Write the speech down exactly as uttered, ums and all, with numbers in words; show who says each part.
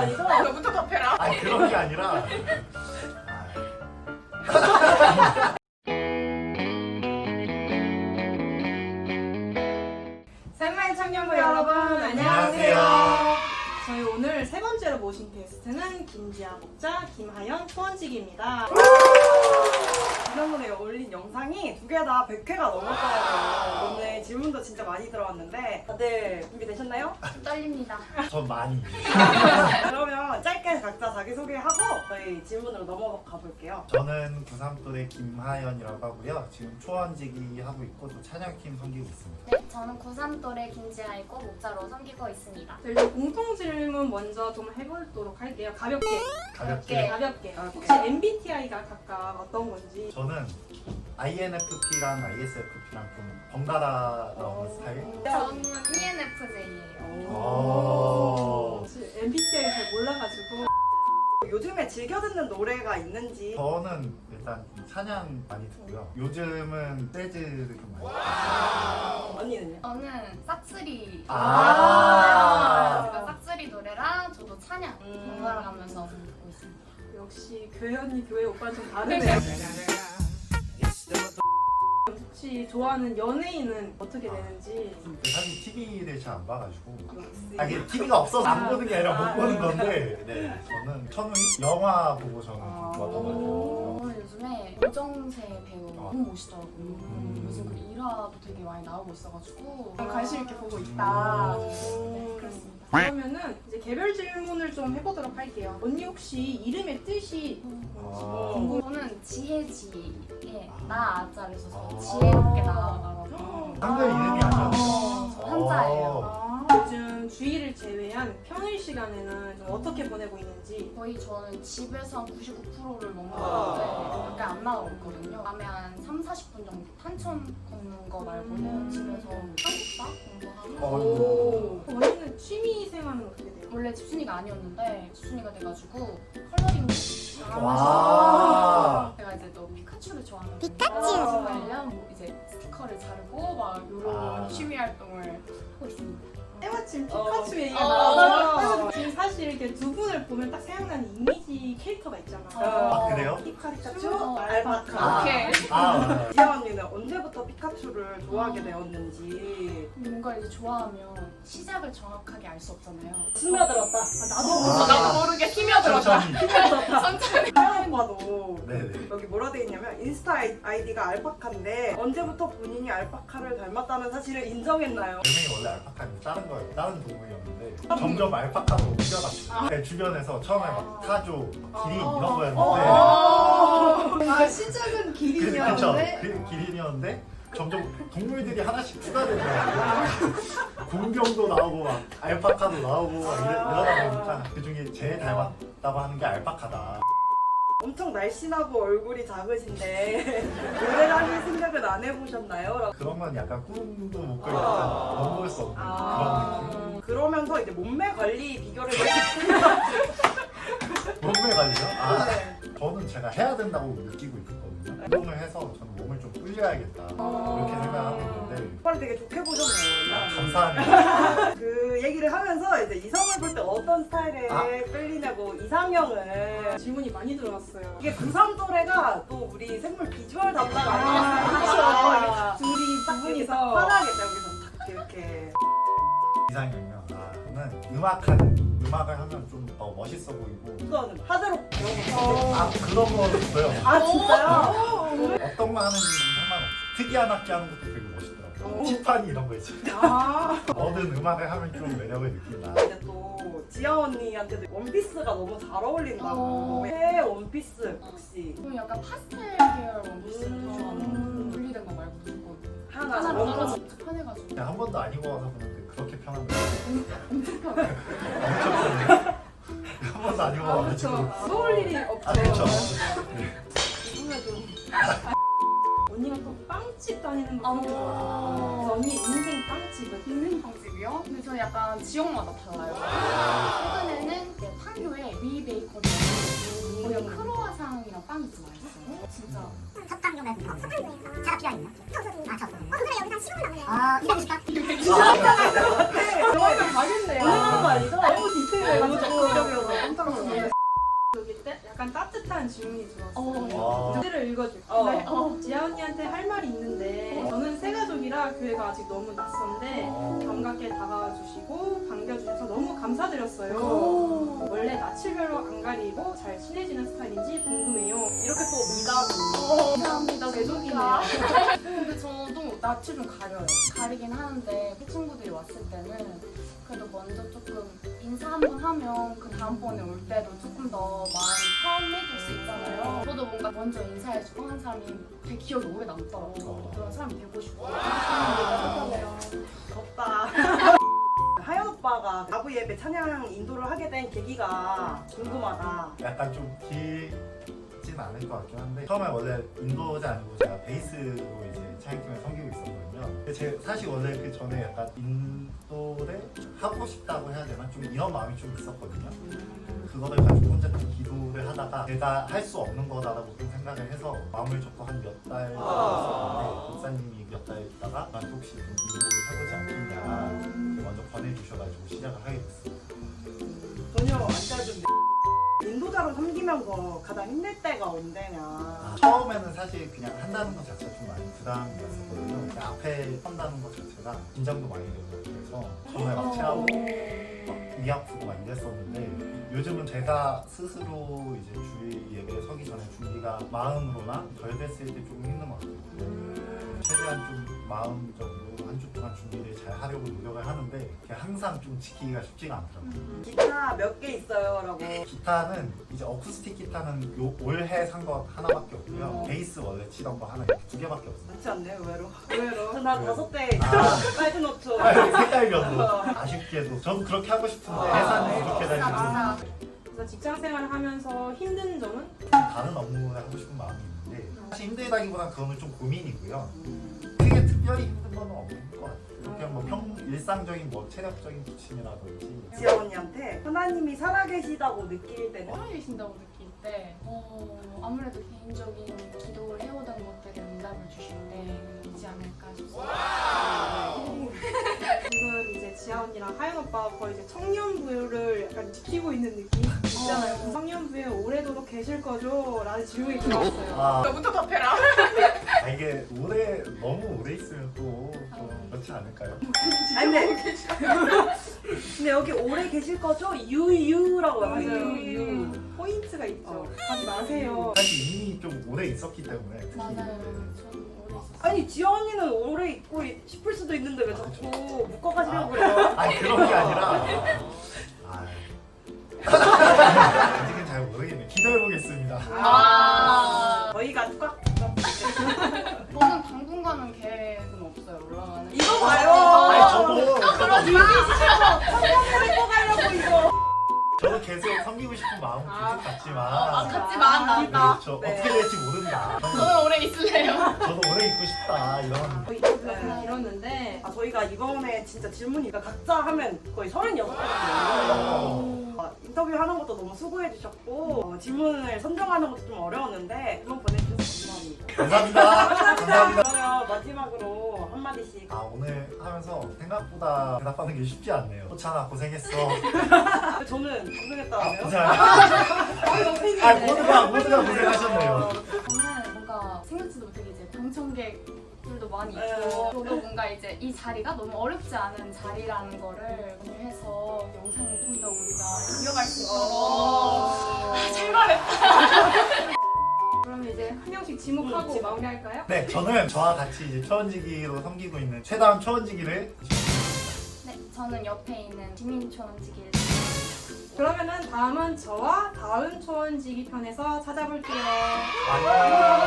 Speaker 1: 아니죠?
Speaker 2: 너부터 답해라.
Speaker 3: 아니 그런 게 아니라
Speaker 1: 샘마이 청년부 여러분
Speaker 3: 안녕하세요.
Speaker 1: 저희 오늘 세 번째로 모신 게스트는 김지아 목자, 김하연 초원직입니다.
Speaker 4: 지난번에 올린 영상이 두 개 다 백 회가 넘었더라고요. 오늘 질문도 진짜 많이 들어왔는데 다들 준비되셨나요?
Speaker 2: 떨립니다.
Speaker 3: 전 많이
Speaker 4: 그러면 짧게 각자 자기소개하고 저희 질문으로 넘어가 볼게요.
Speaker 3: 저는 구삼 또래 김하연이라고 하고요. 지금 초원지기 하고 있고 또 찬양팀 섬기고 있습니다.
Speaker 2: 네, 저는 구삼 또래 김지아이고 목자로 섬기고 있습니다.
Speaker 1: 저희 좀 공통 질문 먼저 좀 해보도록 할게요. 가볍게.
Speaker 3: 가볍게
Speaker 1: 가볍게.
Speaker 4: 가볍게.
Speaker 1: 혹시 엠비티아이가 각각 어떤 건지.
Speaker 3: 저는 아이엔에프피랑 아이에스에프피랑 좀 번갈아 나오는 스타일.
Speaker 2: 저는 이엔에프제이예요.
Speaker 3: 오.
Speaker 1: 엠비티아이 잘 몰라가지고.
Speaker 4: 요즘에 즐겨 듣는 노래가 있는지.
Speaker 3: 저는 일단 좀 찬양 많이 듣고요. 요즘은 재즈를 좀 많이 듣고
Speaker 4: 언니는요?
Speaker 2: 저는 싹쓸이.
Speaker 3: 아.
Speaker 2: 제가 싹쓸이 노래랑 저도 찬양
Speaker 4: 음.
Speaker 2: 번갈아 가면서 듣고 있습니다.
Speaker 1: 역시 교회 언니 교회 오빠는 좀 다르네요. 혹시 좋아하는 연예인은 어떻게 되는지.
Speaker 3: 사실 티비를 잘 안 봐가지고 아, 이게 티비가 없어서 안 보는 게 아니라 못 보는 건데 네, 저는 천우희 영화 보고 저는 좀 좋았던 것 같아요.
Speaker 2: 저는 요즘에 오정세 배우
Speaker 3: 아.
Speaker 2: 너무 멋있더라고요.
Speaker 3: 음.
Speaker 2: 요즘 그 일화도 되게 많이 나오고 있어가지고
Speaker 1: 관심 있게 보고 있다.
Speaker 2: 네, 그렇습니다.
Speaker 1: 그러면은 이제 개별 질문을 좀 해보도록 할게요. 언니 혹시 이름의 뜻이
Speaker 3: 아.
Speaker 1: 궁금.
Speaker 2: 저는 지혜지에 나 아자를 써서
Speaker 3: 아.
Speaker 2: 지혜롭게 나아가라고.
Speaker 3: 한글 이름이 아니었어요.
Speaker 2: 어, 저 한자예요.
Speaker 1: 아, 요즘 주일을 제외한 평일 시간에는 좀 어떻게 보내고 있는지.
Speaker 2: 거의 저는 집에서 한 구십구 퍼센트를 먹는 건데 밖에 안 나가고 있거든요. 밤에 한 삼, 사십 분 정도 탄천 걷는 거 말고는 집에서 한국사 공부하고
Speaker 3: 어.
Speaker 1: 언니는 취미 생활은 어떻게 돼요?
Speaker 2: 원래 집순이가 아니었는데 집순이가 돼가지고 컬러링
Speaker 3: 와.
Speaker 2: 제가 이제 또 피카츄를 좋아하는 피카츄 관련 뭐 이제 스티커를 자르고 막 이런
Speaker 3: 아.
Speaker 2: 취미 활동을 하고 있습니다.
Speaker 1: 때마침
Speaker 4: 어.
Speaker 1: 피카츄 얘기가
Speaker 2: 어.
Speaker 1: 나와서 지금 사실 이렇게 두 분을 보면 딱 생각나는 이미지 캐릭터가 있잖아.
Speaker 4: 어.
Speaker 3: 아, 그래요?
Speaker 1: 피카츄,
Speaker 2: 어.
Speaker 1: 알바카.
Speaker 3: 아,
Speaker 2: 오케이.
Speaker 3: 아,
Speaker 4: 지아 언니는 언제부터 피카츄를 좋아하게 되었는지.
Speaker 2: 뭔가 이제 좋아하면 시작을 정확하게 알 수 없잖아요.
Speaker 4: 스며들었다.
Speaker 1: 나도
Speaker 3: 아.
Speaker 2: 나도 모르게 스며들었다.
Speaker 3: 천천히.
Speaker 2: 천천히.
Speaker 4: 하연 오빠도
Speaker 3: 네네.
Speaker 4: 여기 뭐라 돼 있냐면 인스타 아이디가 알파카인데 언제부터 본인이 알파카를 닮았다는 사실을 인정했나요?
Speaker 3: 별명이 원래 알파카는 다른 거예요. 다른 동물이었는데 점점 알파카로 옮겨갔어요. 네, 주변에서 처음에 막 타조, 기린 이런 거였는데
Speaker 1: 아 시작은
Speaker 3: 그, 그쵸?
Speaker 1: 기린이었는데
Speaker 3: 그 기린이었는데 점점 동물들이 하나씩 추가되더라고요. 공룡도 나오고 막 알파카도 나오고 막 이러, 이러다 보니까 그 중에 제일 닮았다고 하는 게 알파카다.
Speaker 4: 엄청 날씬하고 얼굴이 작으신데 모델 하실 생각은 안 해보셨나요? 라고.
Speaker 3: 그런 건 약간 꿈도 못 꾸고 약간 넘볼 수 없는 그런 느낌.
Speaker 4: 그러면서 이제 몸매 관리 비결을
Speaker 3: 몸매 관리요? 아,
Speaker 4: 네.
Speaker 3: 저는 제가 해야 된다고 느끼고 있거든요. 운동을 해서 저는 몸을 좀 불려야겠다 이렇게 생각하고 있는데
Speaker 4: 오빠를 되게 좋게 보셨네요.
Speaker 3: 아, 감사합니다.
Speaker 4: 그 얘기를 하면서 이제 이성을 볼 때 어떤 스타일에
Speaker 3: 아.
Speaker 4: 끌리냐고 이상형을
Speaker 1: 질문이 많이 들어왔어요.
Speaker 4: 이게 구삼 또래가 또 우리 생물 비주얼 담당
Speaker 1: 아,
Speaker 4: 아니겠어요?
Speaker 1: 둘이 두
Speaker 4: 딱 여기서
Speaker 1: 분이서
Speaker 4: 편하게 여기서 딱 이렇게
Speaker 3: 이상형이요? 아, 저는 음악하는 음악을 하면 좀 더 멋있어 보이고
Speaker 4: 이거는 하드록 이런 거.
Speaker 3: 아 그런 거 있어요.
Speaker 4: 아 진짜요?
Speaker 3: 어떤 거 하는지 상관없어요. 특이한 악기 하는 것도 되게 멋있더라고요. 티파니 이런 거 있지.
Speaker 1: 아
Speaker 3: 뭐든 음악을 하면 좀 매력을 느낀다.
Speaker 4: 이제 또 지아 언니한테도 원피스가 너무 잘 어울린다고.
Speaker 2: 어.
Speaker 4: 새 원피스 혹시
Speaker 2: 저는 약간 파스텔 계열 원피스를
Speaker 4: 음.
Speaker 2: 더 좋아하는 분리된 거 말고 무조건
Speaker 4: 하나
Speaker 2: 하나
Speaker 4: 원피스.
Speaker 2: 하나 진짜 편해가지고
Speaker 3: 그냥 한 번도 안 입어봐서 그런데 그렇게 편한데
Speaker 2: 엄청 편해.
Speaker 3: 엄청 편해요. 한 번도 안
Speaker 1: 아,
Speaker 3: 입어봐가지고.
Speaker 1: 그렇죠. 써올 일이 없죠.
Speaker 3: 아 그렇죠.
Speaker 1: 입으면 좀. 언니가 또 빵집 다니는 거
Speaker 2: 어.
Speaker 1: 되게 좋아하잖아. 그래서 언니 인생 빵집은?
Speaker 2: 있는 방집이요? 근데 저는 약간 지역마다 달라요. 최근에는 이제 판교에 위 베이커리 거기 크로아상이랑 빵이 좀 맛있어요. 진짜.
Speaker 5: 석강동에 차가 필요한 있나? 아, 저. 어, 그래 여기서 한 십오 분 남네요. 아, 이백오십까?
Speaker 1: 그러면 가겠네요.
Speaker 4: 올라간 거 아니죠?
Speaker 1: 너무 디테일해.
Speaker 4: 너무 적극적이어서.
Speaker 1: 약간 따뜻한 질문이 들어왔어요.
Speaker 2: 어.
Speaker 1: 문제를 읽어줄게요.
Speaker 4: 어.
Speaker 2: 네, 어.
Speaker 1: 지아 언니한테 할 말이 있는데 저는 새 가족이라 교회가 아직 너무 낯선데 반갑게 다가와 주시고 반겨주셔서 너무 감사드렸어요.
Speaker 2: 오.
Speaker 1: 원래 낯을별로 안 가리고 잘 친해지는 스타일인지 궁금해요.
Speaker 4: 이렇게 또 미담이.
Speaker 2: 어, 감사합니다.
Speaker 1: 제독이네요.
Speaker 2: 근데 저도 낯을 좀 가려요. 가리긴 하는데 그 친구들이 왔을 때는 그래도 먼저 조금 인사 한번 하면 그 다음번에 올 때도 조금 더 마음이 편해질 수 있잖아요. 저도 뭔가 먼저 인사해주고 한 사람이 되게 기억이 오래 남더라고요. 그런 사람이 되고 싶고. 따뜻하네요.
Speaker 4: 덥다. 하연 오빠가 아부 예배 찬양 인도를 하게 된 계기가 궁금하다.
Speaker 3: 약간 좀 길진 않을 것 같긴 한데 처음에 원래 인도자 아니고 제가 베이스로 이제 차이팀에 섬기고 있었거든요. 근데 제 사실 원래 그 전에 약간 인도를 하고 싶다고 해야 되나 좀 이런 마음이 좀 있었거든요. 그거를 가지고 혼자 좀 기도를 하다가 제가 할 수 없는 거다라고 좀 생각을 해서 마음을 접고 한 몇 달 있었는데 목사님이 몇 달 있다가 나한테 혹시 좀 인도를 해보지 않겠냐 먼저 권해주셔가지고 시작을 하게 됐어요.
Speaker 4: 전혀 안 짜준데. 인도자로 섬기면서 가장 힘들 때가 언제냐.
Speaker 3: 아, 처음에는 사실 그냥 한다는 것 자체가 좀 많이 부담이었었거든요. 그냥 앞에 선다는 것 자체가 긴장도 많이 되고 그래서 정말 막 체하고 막 위 아프고 막 이랬었는데 요즘은 제가 스스로 이제 주일 예배에 서기 전에 준비가 마음으로나 덜 됐을 때 조금 힘든 것 같아요. 최대한 좀 마음적으로 한 주 동안 준비를 잘 하려고 노력을 하는데 그게 항상 좀 지키기가 쉽지가 않더라고요.
Speaker 4: 기타 몇 개 있어요? 라고.
Speaker 3: 기타는 이제 어쿠스틱 기타는 요 올해 산 거 하나밖에 없고요.
Speaker 4: 어.
Speaker 3: 베이스 원래 치던 거 하나 이렇게 두 개밖에 없어요.
Speaker 4: 그렇지 않네, 의외로.
Speaker 1: 의외로.
Speaker 4: 나
Speaker 3: 네.
Speaker 4: 다섯 대
Speaker 3: 아.
Speaker 4: 빨간 옷죠.
Speaker 3: 색깔별로 아쉽게도 저도 그렇게 하고 싶은데 회사는 이렇게
Speaker 2: 맞아.
Speaker 3: 다니고
Speaker 1: 그래서 직장 생활을 하면서 힘든 점은?
Speaker 3: 다른 업무를 하고 싶은 마음이 있는데 사실 힘들다기보단 그거는 좀 고민이고요. 크게 특별히 힘든 건 없는 것 같아요. 그냥 뭐 평, 일상적인 뭐 체력적인 부침이라든지
Speaker 4: 지아 언니한테 하나님이 살아계시다고 느낄 때는
Speaker 2: 살아계신다고 느낄 때 어, 아무래도 개인적인 기도를 해오던 것들에 응답을 주실 때이지 않을까 싶습니다.
Speaker 1: 지금 이제 지아 언니랑 하연 오빠가 거의 이제 청년부를 약간 지키고 있는 느낌 있잖아요.
Speaker 2: 어.
Speaker 1: 청년부에 오래도록 계실 거죠? 라는 질문이 들어왔어요.
Speaker 3: 아,
Speaker 2: 너부터 답해라.
Speaker 3: 아 이게 오래 너무 오래 있으면 또 좀 그렇지 않을까요?
Speaker 4: 아니 근데 근데 여기 오래 계실 거죠? 유유라고
Speaker 1: 맞아요.
Speaker 4: 해요. 유.
Speaker 1: 포인트가 있죠.
Speaker 4: 어.
Speaker 1: 가지 마세요.
Speaker 3: 사실 이미 좀 오래 있었기 때문에 특히
Speaker 2: 맞아요.
Speaker 3: 네.
Speaker 2: 저는 오래 있었어요.
Speaker 4: 아니 지아 언니는 오래 있고 싶을 수도 있는데 왜 자꾸 묶어가시려고 그래요?
Speaker 3: 아니 그런 게 아니라 아, 아직은 잘 모르겠네. 기도해보겠습니다.
Speaker 2: 아.
Speaker 4: 저희가 꽉
Speaker 2: 저는 당분간은 계획은 없어요. 올라가는.
Speaker 4: 이거 봐요.
Speaker 3: 아니 저도 저도
Speaker 4: 데리고 가려고 이거.
Speaker 3: 저도 계속 섬기고 싶은 마음은
Speaker 1: 아.
Speaker 3: 계속 같지만
Speaker 2: 아, 같지만 나다.
Speaker 3: 그렇죠.
Speaker 4: 네.
Speaker 3: 어떻게 될지 모른다.
Speaker 2: 저는 오래 있을래요.
Speaker 3: 저도 오래 있고 싶다 이런.
Speaker 1: 거의 인터뷰가 좀 길었는데
Speaker 4: 아 저희가 이번에 진짜 질문이 각자 하면 거의 서른여섯 개
Speaker 3: 어.
Speaker 4: 정도 어, 인터뷰 하는 것도 너무 수고해 주셨고 어, 질문을 선정하는 것도 좀 어려웠는데 질문 보내주셔서 감사합니다.
Speaker 3: 감사합니다. 감사합니다.
Speaker 4: 그러면 마지막으로 한마디씩
Speaker 3: 아 오늘 하면서 생각보다 대답하는 게 쉽지 않네요. 호찬아 고생했어.
Speaker 4: 저는 고생했다고요?
Speaker 3: 고생하셨어요. 아 모두가 모두가 고생하셨네요.
Speaker 2: 저는 뭔가 생각지도 못하게 이제 방청객들도 많이
Speaker 4: 네.
Speaker 2: 있고 저도 뭔가 이제 이 자리가 너무 어렵지 않은 자리라는 거를 공유해서 영상을 좀 더 우리가 이어갈 수 있도록 출발했다.
Speaker 1: 그러면 이제 한 명씩 지목하고
Speaker 4: 음, 지목.
Speaker 1: 마무리할까요?
Speaker 3: 네 저는 저와 같이 이제 초원지기로 섬기고 있는 최다운 초원지기를
Speaker 2: 네, 저는 옆에 있는 지민촌지기를
Speaker 1: 그러면은 다음은 저와 다음 초원지기 편에서 찾아볼게요.
Speaker 3: 안녕.